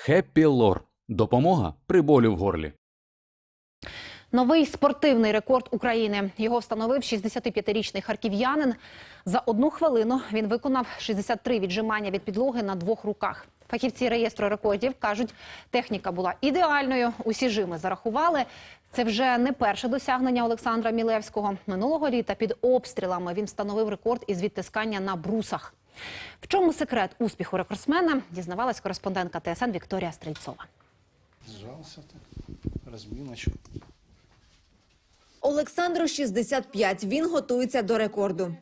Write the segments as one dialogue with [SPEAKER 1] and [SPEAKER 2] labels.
[SPEAKER 1] Хеппі Лор. Допомога при болі в горлі.
[SPEAKER 2] Новий спортивний рекорд України. Його встановив 65-річний харків'янин. За 1 хвилину він виконав 63 віджимання від підлоги на 2 руках. Фахівці реєстру рекордів кажуть, техніка була ідеальною, усі жими зарахували. Це вже не перше досягнення Олександра Мілевського. Минулого літа під обстрілами він встановив рекорд із відтискання на брусах. В чому секрет успіху рекордсмена, дізнавалась кореспондентка ТСН Вікторія Стрільцова.
[SPEAKER 3] Сжался так, разминочку.
[SPEAKER 4] Олександру 65. Він готується до рекорду.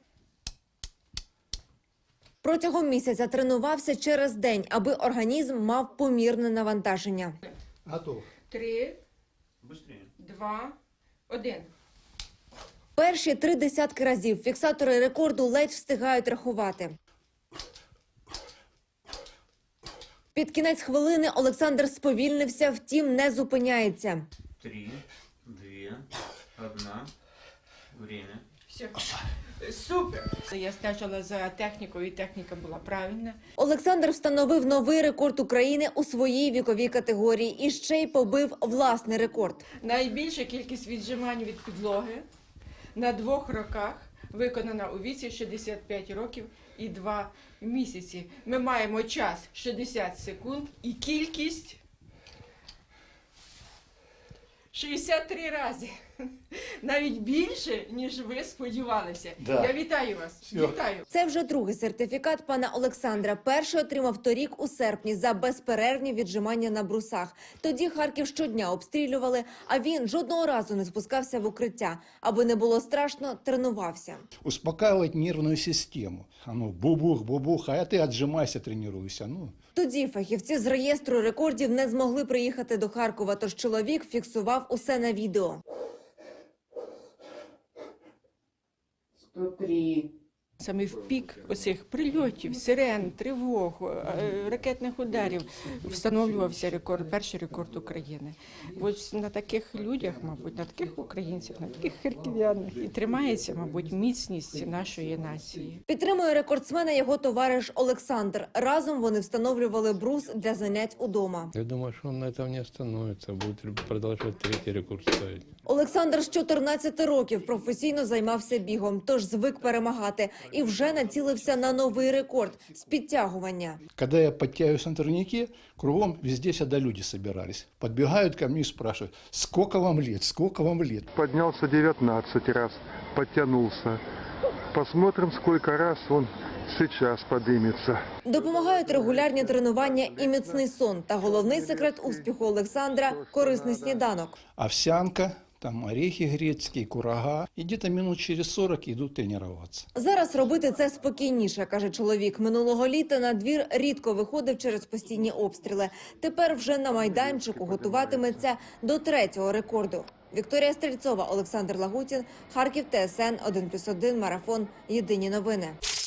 [SPEAKER 4] Протягом місяця тренувався через день, аби організм мав помірне навантаження.
[SPEAKER 3] Готов.
[SPEAKER 5] 3, 2, 1.
[SPEAKER 4] Перші 3 десятки разів фіксатори рекорду ледь встигають рахувати. Під кінець хвилини Олександр сповільнився, втім не зупиняється.
[SPEAKER 6] 3, 2, 1. Время.
[SPEAKER 5] Все. Супер! Я стежила за технікою, і техніка була правильна.
[SPEAKER 4] Олександр встановив новий рекорд України у своїй віковій категорії і ще й побив власний рекорд.
[SPEAKER 5] Найбільша кількість віджимань від підлоги на 2 роках виконана у віці 65 років і 2 місяці. Ми маємо час 60 секунд і кількість 63 рази. Навіть більше, ніж ви сподівалися.
[SPEAKER 3] Да.
[SPEAKER 5] Я вітаю вас.
[SPEAKER 3] Всьо.
[SPEAKER 5] Вітаю.
[SPEAKER 4] Це вже другий сертифікат пана Олександра. Перший отримав торік у серпні за безперервні віджимання на брусах. Тоді Харків щодня обстрілювали, а він жодного разу не спускався в укриття. Аби не було страшно, тренувався.
[SPEAKER 3] Успокаивать нервную систему. Бубух, бубух, а ты отжимайся, тренируйся.
[SPEAKER 4] Тоді фахівці з реєстру рекордів не змогли приїхати до Харкова, тож чоловік фіксував усе на відео.
[SPEAKER 5] 103. Саме в пік оцих прильотів, сирен, тривог, ракетних ударів встановлювався рекорд, перший рекорд України. Ось на таких людях, мабуть, на таких українців, на таких харків'янах і тримається, мабуть, міцність нашої нації.
[SPEAKER 4] Підтримує рекордсмена його товариш Олександр. Разом вони встановлювали брус для занять удома.
[SPEAKER 7] Я думаю, что он на этом не остановится, будет продолжать 3-й рекорд ставить.
[SPEAKER 4] Олександр з 14 років професійно займався бігом, тож звик перемагати. І вже націлився на новий рекорд – з підтягування.
[SPEAKER 3] Когда я подтягиваюсь на турнике, кругом везде всегда люди собирались. Подбегают ко мне и спрашивают, сколько вам лет, сколько вам лет?
[SPEAKER 8] Поднялся 19 раз, подтянулся. Посмотрим, сколько раз он сейчас поднимется.
[SPEAKER 4] Допомагають регулярні тренування і міцний сон. Та головний секрет успіху Олександра – корисний сніданок.
[SPEAKER 3] Овсянка, там орехи грецкие, курага. И где-то минут через 40 идут тренироваться.
[SPEAKER 4] Зараз робити це спокійніше, каже чоловік. Минулого літа на двір рідко виходив через постійні обстріли. Тепер вже на майданчику готуватиметься до 3-го рекорду. Вікторія Стрільцова, Олександр Лагутін, Харків, ТСН 1+1, Марафон. Єдині новини.